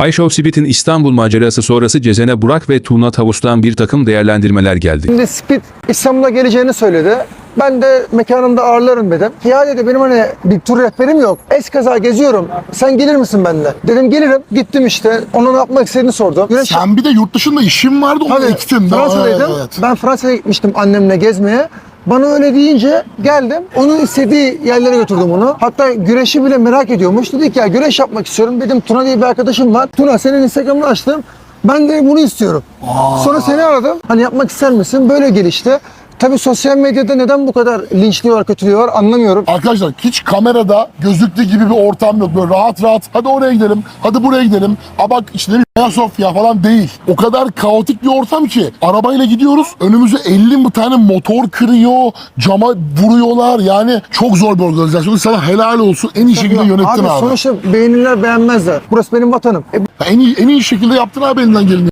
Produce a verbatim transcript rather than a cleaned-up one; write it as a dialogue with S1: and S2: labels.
S1: iShow Speed'in İstanbul macerası sonrası Cezene Burak ve Tuğna Tavus'tan bir takım değerlendirmeler geldi.
S2: Şimdi Speed İstanbul'a geleceğini söyledi. Ben de mekanımda ağırlarım dedim. Ya dedi benim hani bir tur rehberim yok. Eskaza geziyorum. Sen gelir misin benimle? Dedim gelirim. Gittim işte. Ona ne yapmak istediğini sordum. Güneş...
S3: Sen bir de yurt dışında işin vardı, onu
S2: Tabii,
S3: ektin.
S2: Fransa'daydım.
S3: Evet.
S2: Ben Fransa'ya gitmiştim annemle gezmeye. Bana öyle deyince geldim. Onun istediği yerlere götürdüm onu. Hatta güreşi bile merak ediyormuş. Dedi ki ya güreş yapmak istiyorum. Dedim Tuna diye bir arkadaşım var. Tuna senin Instagram'ını açtım. Ben de bunu istiyorum.
S3: Aa.
S2: Sonra seni aradım. Hani yapmak ister misin? Böyle gelişti. Tabii sosyal medyada neden bu kadar linçliyorlar, kötülüyorlar anlamıyorum.
S3: Arkadaşlar hiç kamerada gözüktüğü gibi bir ortam yok. Böyle rahat rahat hadi oraya gidelim, hadi buraya gidelim. A bak işte bir Ayasofya falan değil. O kadar kaotik bir ortam ki arabayla gidiyoruz. Önümüze elli tane motor kırıyor, cama vuruyorlar. Yani çok zor bir organizasyon. Sana helal olsun. En iyi şekilde yönettin abi.
S2: Abi sonuçta beğenirler beğenmezler. Burası benim vatanım. E,
S3: En iyi, en iyi şekilde yaptın abi elinden geleni.